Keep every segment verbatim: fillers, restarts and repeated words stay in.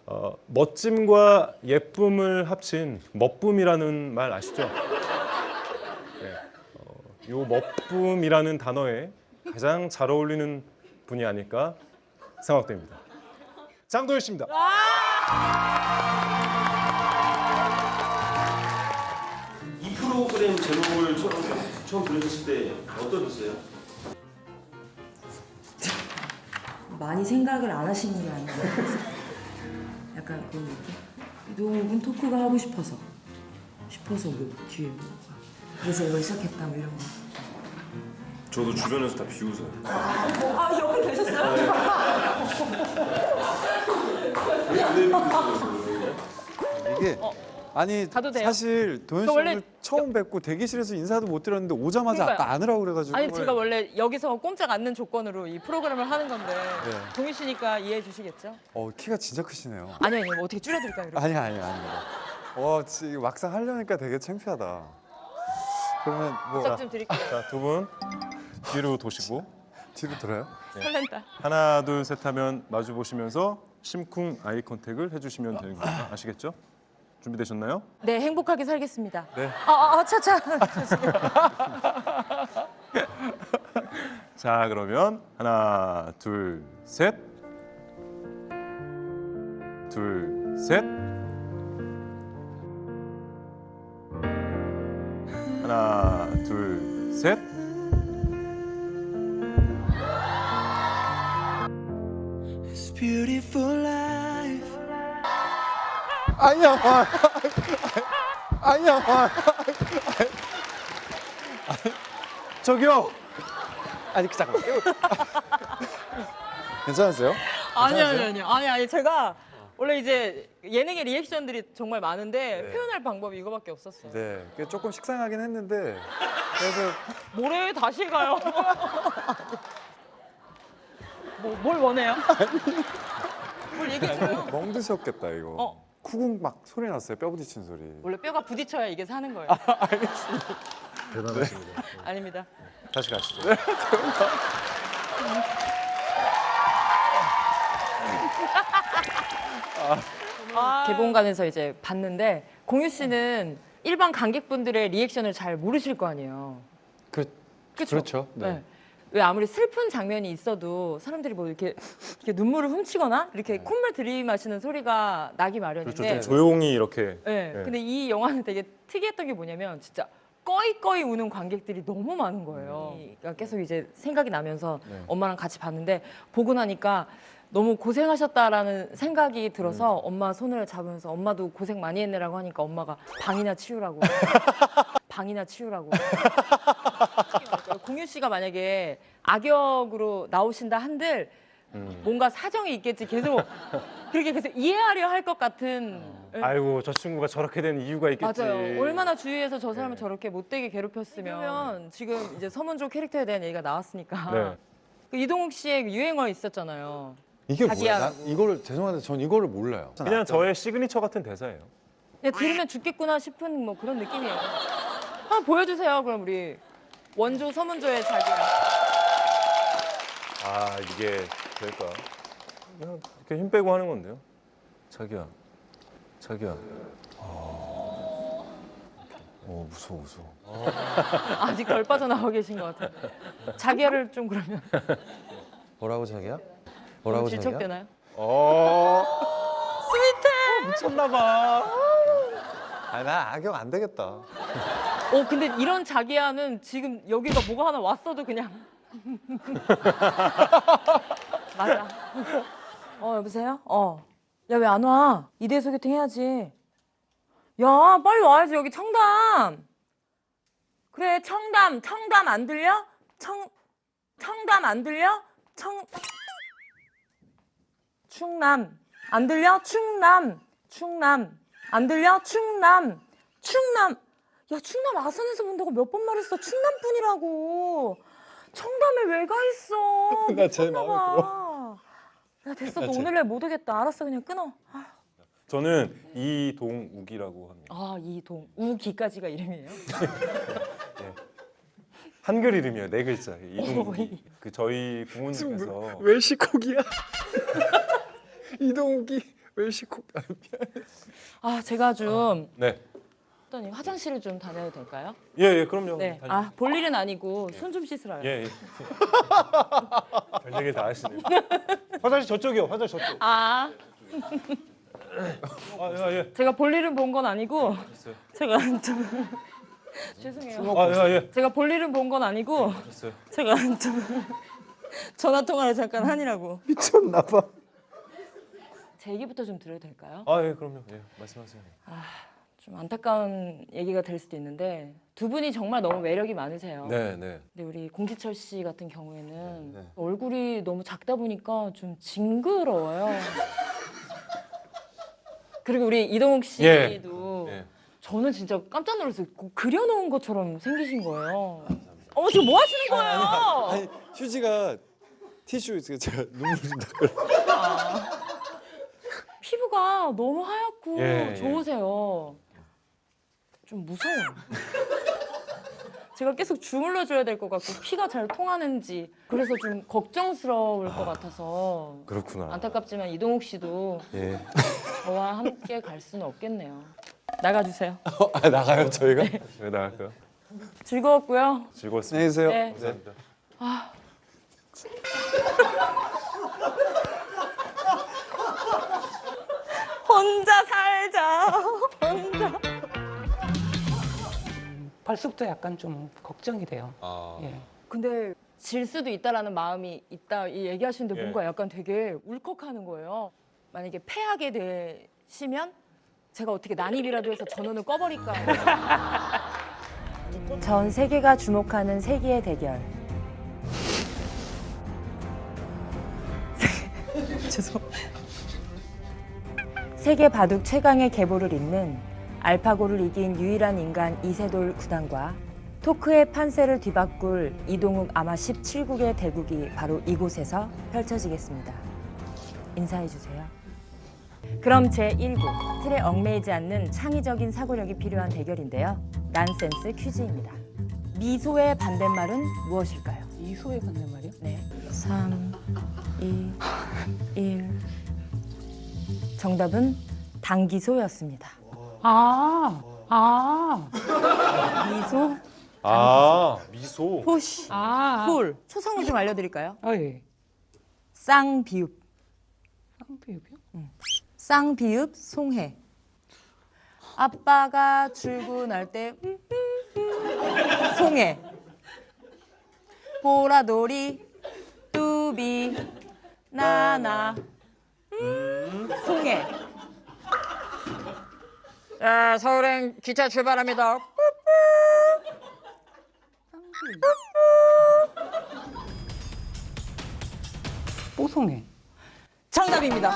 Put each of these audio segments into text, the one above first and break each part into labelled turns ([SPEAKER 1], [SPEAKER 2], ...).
[SPEAKER 1] 어, 멋짐과 예쁨을 합친 멋붐이라는 말 아시죠? 네. 어, 요 멋붐이라는 단어에 가장 잘 어울리는 분이 아닐까 생각됩니다. 장도연 씨입니다.
[SPEAKER 2] 이 프로그램 제목을 처음, 처음 들으셨을 때 어떠셨어요?
[SPEAKER 3] 많이 생각을 안 하시는 게 아닌가. 약간 그런 느낌? 이동욱은 토크가 하고 싶어서 싶어서 뭐 뒤에 뭐 그래서 이걸 시작했다 뭐 이런 거.
[SPEAKER 2] 저도 주변에서 다 비웃어요.
[SPEAKER 3] 아 옆에 계셨어요?
[SPEAKER 4] 이게 아니
[SPEAKER 5] 가도 돼요?
[SPEAKER 4] 사실 도현
[SPEAKER 5] 저
[SPEAKER 4] 씨
[SPEAKER 5] 원래
[SPEAKER 4] 오늘 처음 뵙고 대기실에서 인사도 못 드렸는데 오자마자
[SPEAKER 5] 그러니까요.
[SPEAKER 4] 아까 안으라고 그래가지고
[SPEAKER 5] 아니 제가 원래 여기서 꼼짝 않는 조건으로 이 프로그램을 하는 건데
[SPEAKER 4] 네.
[SPEAKER 5] 동희 씨니까 이해해 주시겠죠?
[SPEAKER 4] 어 키가 진짜 크시네요.
[SPEAKER 5] 아니 아니 뭐 어떻게 줄여드릴까요? 이렇게?
[SPEAKER 4] 아니 아니 아니. 와 지금 막상 하려니까 되게 창피하다. 그러면 뭐
[SPEAKER 5] 부탁 좀 드릴게요.
[SPEAKER 1] 자, 두 분 뒤로 도시고
[SPEAKER 4] 뒤로 들어요?
[SPEAKER 5] 설렌다.
[SPEAKER 1] 하나 둘 셋 하면 마주 보시면서 심쿵 아이 컨택을 해주시면 되는 겁니다. 아시겠죠? 준비되셨나요?
[SPEAKER 5] 네 행복하게 살겠습니다.
[SPEAKER 4] 네.
[SPEAKER 5] 아아 아, 차차.
[SPEAKER 1] 자 그러면 하나 둘 셋. 둘 셋. 하나 둘 셋.
[SPEAKER 4] 아니야. 아, 아니야. 아, 저기요. 아니 잠깐만. 괜찮으세요?
[SPEAKER 5] 아니 아니
[SPEAKER 4] 괜찮으세요?
[SPEAKER 5] 아니 아니 아니 제가 원래 이제 예능의 리액션들이 정말 많은데
[SPEAKER 4] 네.
[SPEAKER 5] 표현할 방법이 이거밖에 없었어요.
[SPEAKER 4] 네. 그게 조금 식상하긴 했는데 그래서
[SPEAKER 5] 뭐래 다시 가요. 뭐, 뭘 원해요? 뭘 얘기해줘요?
[SPEAKER 4] 멍 드셨겠다 이거.
[SPEAKER 5] 어.
[SPEAKER 4] 쿠궁 막 소리 났어요. 뼈 부딪힌 소리.
[SPEAKER 5] 원래 뼈가 부딪혀야 이게 사는 거예요.
[SPEAKER 1] 대단하십니다.
[SPEAKER 5] 아닙니다.
[SPEAKER 1] 다시 가시죠.
[SPEAKER 5] 개봉관에서 이제 봤는데 공유 씨는 일반 관객분들의 리액션을 잘 모르실 거 아니에요.
[SPEAKER 4] 그,
[SPEAKER 5] 그쵸?
[SPEAKER 4] 그렇죠. 네.
[SPEAKER 5] 네. 왜 아무리 슬픈 장면이 있어도 사람들이 뭐 이렇게, 이렇게 눈물을 훔치거나 이렇게 콧물 들이마시는 소리가 나기 마련인데.
[SPEAKER 1] 그렇죠. 좀 조용히 이렇게.
[SPEAKER 5] 네.
[SPEAKER 1] 네.
[SPEAKER 5] 근데 이 영화는 되게 특이했던 게 뭐냐면 진짜 꺼이꺼이 우는 관객들이 너무 많은 거예요. 그러니까 계속 이제 생각이 나면서
[SPEAKER 4] 네.
[SPEAKER 5] 엄마랑 같이 봤는데 보고 나니까 너무 고생하셨다라는 생각이 들어서 엄마 손을 잡으면서 엄마도 고생 많이 했네라고 하니까 엄마가 방이나 치우라고 방이나 치우라고 공유 씨가 만약에 악역으로 나오신다 한들
[SPEAKER 1] 음.
[SPEAKER 5] 뭔가 사정이 있겠지 계속 그렇게 계속 이해하려 할 것 같은 예.
[SPEAKER 1] 아이고 저 친구가 저렇게 된 이유가 있겠지.
[SPEAKER 5] 맞아요. 얼마나 주위에서 저 사람을
[SPEAKER 1] 네.
[SPEAKER 5] 저렇게 못되게 괴롭혔으면 그러면 지금 이제 서문조 캐릭터에 대한 얘기가 나왔으니까
[SPEAKER 1] 네.
[SPEAKER 5] 그 이동욱 씨의 유행어 있었잖아요.
[SPEAKER 4] 이게 뭐야?
[SPEAKER 5] 자기야.
[SPEAKER 4] 나 이거를 죄송한데 전 이거를 몰라요.
[SPEAKER 1] 그냥 저의 시그니처 같은 대사예요.
[SPEAKER 5] 그냥 들으면 죽겠구나 싶은 뭐 그런 느낌이에요. 한번 보여주세요. 그럼 우리 원조 서문조의 자기야.
[SPEAKER 1] 아 이게 될까? 그냥 이렇게 힘 빼고 하는 건데요. 자기야, 자기야. 어 무서워 무서워.
[SPEAKER 5] 아직 덜 빠져나와 계신 것 같아요. 자기야를 좀 그러면
[SPEAKER 6] 뭐라고 자기야?
[SPEAKER 5] 너무
[SPEAKER 6] 뭐라고 자기야?
[SPEAKER 5] 질척되나요?
[SPEAKER 1] 어
[SPEAKER 5] 스위트.
[SPEAKER 1] 미쳤나봐.
[SPEAKER 4] 아, 나 악역 안 되겠다.
[SPEAKER 5] 어 근데 이런 자기야는 지금 여기가 뭐가 하나 왔어도 그냥 맞아. 어 여보세요? 어. 야 왜 안 와? 이대 소개팅 해야지. 야 빨리 와야지 여기 청담. 그래 청담 청담 안 들려? 청 청담 안 들려? 청 충남 안 들려? 충남 충남 안 들려? 충남 충남 야 충남 아산에서 본다고 몇 번 말했어. 충남뿐이라고. 청담에 왜 가 있어?
[SPEAKER 4] 나 제일
[SPEAKER 5] 미쳤나
[SPEAKER 4] 마음에
[SPEAKER 5] 봐. 야 됐어 너 오늘 날 못 오겠다. 알았어 그냥 끊어. 아,
[SPEAKER 1] 저는 이동욱이라고 합니다.
[SPEAKER 5] 아 이동 우기까지가 이름이에요?
[SPEAKER 1] 한글 이름이에요. 네 글자. 이동욱이. 그 저희 부모님께서
[SPEAKER 4] 왜 시콕이야? 이동욱이 왜 시콕?
[SPEAKER 5] 아 제가 좀
[SPEAKER 1] 네.
[SPEAKER 5] 어떠니 화장실을 좀 다녀도 될까요?
[SPEAKER 1] 예, 예, 그럼요.
[SPEAKER 5] 네.
[SPEAKER 1] 다니-
[SPEAKER 5] 아 볼 일은 아니고 손 좀 씻으러요.
[SPEAKER 1] 예, 예. 별 얘기 다 하시네요. 화장실 저쪽이요. 화장실 저쪽.
[SPEAKER 5] 아
[SPEAKER 1] 아, 예, 예.
[SPEAKER 5] 제가 볼 일은 본 건 아니고 제가 좀 죄송해요.
[SPEAKER 1] 아, 예, 예.
[SPEAKER 5] 제가 볼 일은 본 건 아니고
[SPEAKER 1] 됐어요.
[SPEAKER 5] 제가 좀 전화 통화를 잠깐 하느라고
[SPEAKER 4] 미쳤나 봐.
[SPEAKER 5] 제 얘기부터 좀 들어도 될까요?
[SPEAKER 1] 아, 예, 그럼요. 예, 말씀하세요.
[SPEAKER 5] 좀 안타까운 얘기가 될 수도 있는데 두 분이 정말 너무 매력이 많으세요.
[SPEAKER 1] 네, 네.
[SPEAKER 5] 근데 우리 공지철 씨 같은 경우에는
[SPEAKER 4] 네.
[SPEAKER 5] 얼굴이 너무 작다 보니까 좀 징그러워요. 그리고 우리 이동욱 씨도
[SPEAKER 1] 예.
[SPEAKER 5] 저는 진짜 깜짝 놀랐어요. 꼭 그려놓은 것처럼 생기신 거예요. 어머 지금 뭐 하시는 거예요?
[SPEAKER 4] 아니 휴지가 티슈 있어요. 제가 눈물 좀 닦으려.
[SPEAKER 5] 피부가 너무 하얗고
[SPEAKER 1] 예, 예.
[SPEAKER 5] 좋으세요. 좀 무서워요. 제가 계속 주물러 줘야 될 것 같고 피가 잘 통하는지 그래서 좀 걱정스러울 것 같아서
[SPEAKER 1] 그렇구나.
[SPEAKER 5] 안타깝지만 이동욱 씨도
[SPEAKER 1] 예.
[SPEAKER 5] 저와 함께 갈 수는 없겠네요. 나가주세요.
[SPEAKER 1] 아, 나가요, 저희가? 저희 나갈까요?
[SPEAKER 5] 즐거웠고요.
[SPEAKER 1] 즐거웠습니다.
[SPEAKER 4] 안녕히 계세요.
[SPEAKER 5] 네.
[SPEAKER 1] 감사합니다.
[SPEAKER 5] 혼자 살자. 혼자.
[SPEAKER 7] 벌써부터 약간 좀 걱정이 돼요.
[SPEAKER 4] 아.
[SPEAKER 7] 예.
[SPEAKER 5] 근데 질 수도 있다라는 마음이 있다 이 얘기하시는데
[SPEAKER 1] 예.
[SPEAKER 5] 뭔가 약간 되게 울컥하는 거예요. 만약에 패하게 되시면 제가 어떻게 난입이라도 해서 전원을 꺼버릴까. 전 세계가 주목하는 세기의 대결. 죄송. 세계 바둑 최강의 계보를 잇는 알파고를 이긴 유일한 인간 이세돌 구단과 토크의 판세를 뒤바꿀 이동욱 아마 십칠 국의 대국이 바로 이곳에서 펼쳐지겠습니다. 인사해 주세요. 그럼 제일 국 틀에 얽매이지 않는 창의적인 사고력이 필요한 대결인데요. 난센스 퀴즈입니다. 미소의 반대말은 무엇일까요?
[SPEAKER 7] 이소의 반대말이요?
[SPEAKER 5] 네. 삼, 이, 일. 정답은 당기소였습니다.
[SPEAKER 7] 아, 아,
[SPEAKER 5] 미소,
[SPEAKER 1] 아, 미소.
[SPEAKER 5] 호시,
[SPEAKER 7] 아.
[SPEAKER 5] 홀. 초성을 좀 알려드릴까요?
[SPEAKER 7] 아, 예.
[SPEAKER 5] 쌍비읍,
[SPEAKER 7] 쌍비읍이요?
[SPEAKER 5] 쌍비읍 송해. 아빠가 출근할 때 음, 음, 음, 송해. 보라돌이, 뚜비, 나나, 음, 송해. 자, 서울행 기차 출발합니다.
[SPEAKER 7] 뽀송해.
[SPEAKER 5] 정답입니다.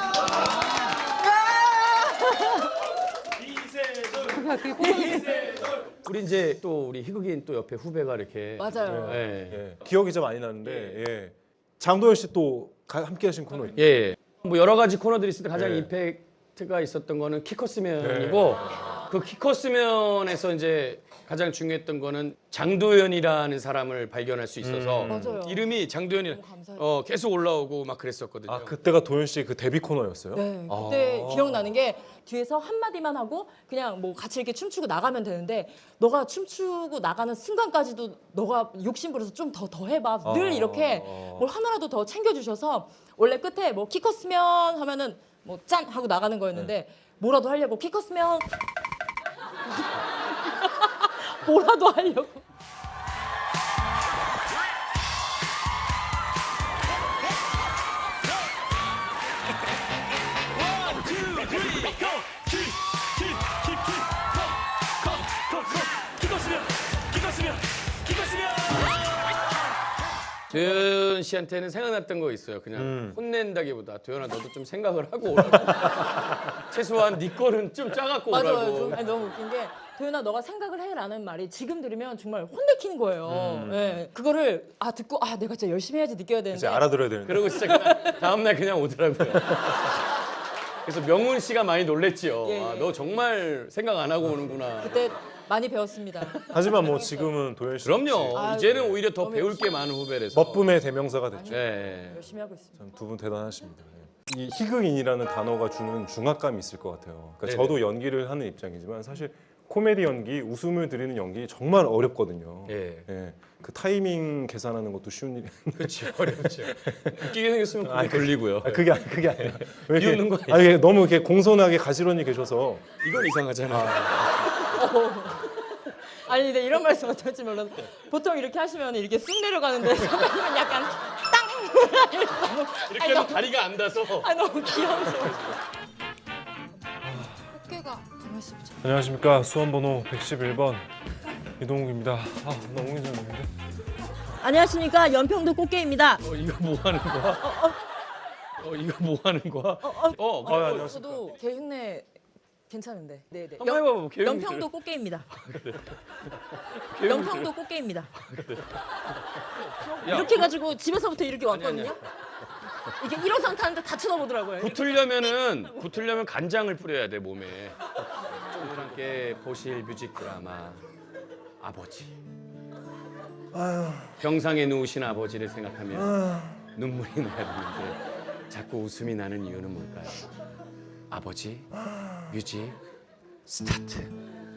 [SPEAKER 7] 그게 그게 뽀송해.
[SPEAKER 8] 우리 이제 또 우리 희극인 또 옆에 후배가 이렇게
[SPEAKER 5] 맞아요.
[SPEAKER 8] 예.
[SPEAKER 1] 예. 기억이 좀 많이 나는데, 예. 장도연 씨 또 함께 하신 코너.
[SPEAKER 8] 예. 예. 뭐 여러 가지 코너들이 있을 때 가장
[SPEAKER 1] 예.
[SPEAKER 8] 임팩트가 있었던 거는 키커스면이고 그 키커스면에서 이제 가장 중요했던 거는 장도연이라는 사람을 발견할 수 있어서
[SPEAKER 1] 음.
[SPEAKER 5] 맞아요.
[SPEAKER 8] 이름이 장도연이
[SPEAKER 5] 너무 감사해요.
[SPEAKER 8] 어 계속 올라오고 막 그랬었거든요.
[SPEAKER 1] 아, 그때가 도연 씨 그 데뷔 코너였어요?
[SPEAKER 5] 네,
[SPEAKER 1] 아.
[SPEAKER 5] 그때 기억나는 게 뒤에서 한마디만 하고 그냥 뭐 같이 이렇게 춤추고 나가면 되는데 너가 춤추고 나가는 순간까지도 너가 욕심부려서 좀 더 더 해봐. 늘
[SPEAKER 1] 아.
[SPEAKER 5] 이렇게 뭘 하나라도 더 챙겨주셔서 원래 끝에 뭐 키 컸으면 하면은 뭐 짠 하고 나가는 거였는데 뭐라도 하려고 키 컸으면 뭐라도 하려고.
[SPEAKER 8] 도연 씨한테는 생각났던 거 있어요. 그냥
[SPEAKER 1] 음.
[SPEAKER 8] 혼낸다기보다 도연아 너도 좀 생각을 하고 오라고. 최소한 네 거는 좀 짜갖고
[SPEAKER 5] 맞아요.
[SPEAKER 8] 오라고.
[SPEAKER 5] 좀, 아니, 너무 웃긴 게 도연아 너가 생각을 해라는 말이 지금 들으면 정말 혼내키는 거예요. 예. 그거를 아 듣고 아 내가 진짜 열심히 해야지 느껴야 되는데
[SPEAKER 1] 이제 알아들어야 되는데.
[SPEAKER 8] 그러고 진짜 그냥 다음날 그냥 오더라고요. 그래서 명훈 씨가 많이 놀랬지요.
[SPEAKER 5] 예, 예.
[SPEAKER 8] 아, 너 정말 생각 안 하고 오는구나.
[SPEAKER 5] 그때 많이 배웠습니다.
[SPEAKER 1] 하지만 뭐 지금은 도연 씨.
[SPEAKER 8] 그럼요.
[SPEAKER 5] 아유,
[SPEAKER 8] 이제는 오히려 더
[SPEAKER 5] 너무
[SPEAKER 8] 배울 게 많은 후배라서.
[SPEAKER 1] 멋붐의 대명사가 됐죠.
[SPEAKER 8] 네.
[SPEAKER 5] 열심히 하고 있습니다.
[SPEAKER 1] 참 두 분 대단하십니다. 예. 이 희극인이라는 단어가 주는 중압감이 있을 것 같아요. 그러니까
[SPEAKER 8] 네네.
[SPEAKER 1] 저도 연기를 하는 입장이지만 사실 코미디 연기, 웃음을 드리는 연기 정말 어렵거든요.
[SPEAKER 8] 예.
[SPEAKER 1] 예, 그 타이밍 계산하는 것도 쉬운 일이
[SPEAKER 8] 그렇죠. 어렵죠. 웃기게 생겼으면 그게
[SPEAKER 1] 아니, 그-
[SPEAKER 8] 걸리고요.
[SPEAKER 1] 아, 그게 아니 그게 아니라 왜 이렇게-
[SPEAKER 8] 비웃는 거 아니에요?
[SPEAKER 1] 아니, 이게 너무 이렇게 공손하게 가지런히 계셔서
[SPEAKER 8] 이건 이상하잖아요.
[SPEAKER 5] 아니 근데 이런 말씀 어떨지 몰라서 보통 이렇게 하시면 이렇게 쑥 내려가는데 선배님은 약간 땅
[SPEAKER 8] 이렇게 하면 다리가 안 닿아서.
[SPEAKER 5] 아 너무 귀여워서.
[SPEAKER 9] 어깨가 가만 있어 보자.
[SPEAKER 1] 안녕하십니까 수험번호 백십일 번 이동욱입니다. 아 너무 긴장되는데.
[SPEAKER 5] 안녕하십니까 연평도 꽃게입니다.
[SPEAKER 8] 어, 이거 뭐 하는 거야? 어, 이거 뭐 하는 거야?
[SPEAKER 5] 어, 어,
[SPEAKER 8] 어,
[SPEAKER 5] 어,
[SPEAKER 1] 아, 안녕하십니까.
[SPEAKER 5] 저도 개 흉내 괜찮은데. 네네.
[SPEAKER 8] 한번 해봐봐. 개운히
[SPEAKER 5] 연평도 꽃게입니다. 연평도 꽃게입니다.
[SPEAKER 8] 야,
[SPEAKER 5] 이렇게 해가지고 집에서부터 이렇게
[SPEAKER 8] 아니,
[SPEAKER 5] 왔거든요.
[SPEAKER 8] 아니.
[SPEAKER 5] 이게 일어선 타는데 다 쳐다보더라고요.
[SPEAKER 8] 붙으려면은 붙으려면 간장을 뿌려야 돼 몸에. 오늘 함께 보실 뮤직 드라마 아버지. 병상에 누우신 아버지를 생각하면 눈물이 나야 되는데 자꾸 웃음이 나는 이유는 뭘까요? 아버지 뮤직 스타트.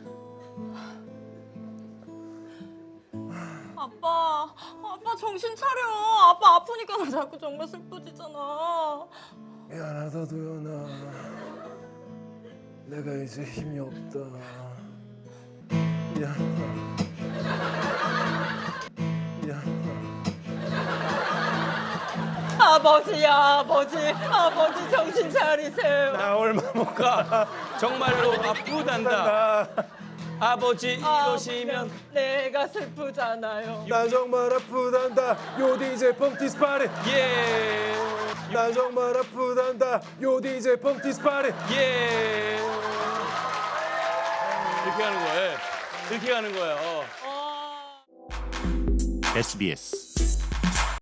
[SPEAKER 5] 아빠, 아빠 정신 차려. 아빠 아프니까 나 자꾸 정말 슬퍼지잖아.
[SPEAKER 10] 미안하다 도연아. 내가 이제 힘이 없다. 미안하다. 미안하다.
[SPEAKER 5] 아버지야, 아버지, 아버지 정신 차리세요.
[SPEAKER 1] 나 얼마 못 가.
[SPEAKER 8] 정말로 아프단다. 아버지 이러시면
[SPEAKER 5] 내가 슬프잖아요.
[SPEAKER 10] 나 정말 아프단다. 요 디제이 펑티스 파리.
[SPEAKER 8] 예.
[SPEAKER 10] 나 정말 아프단다. 요 디제이 펑티스 파리.
[SPEAKER 8] 예. 이렇게 하는 거예요. 이렇게 하는 거예요.
[SPEAKER 11] 에스비에스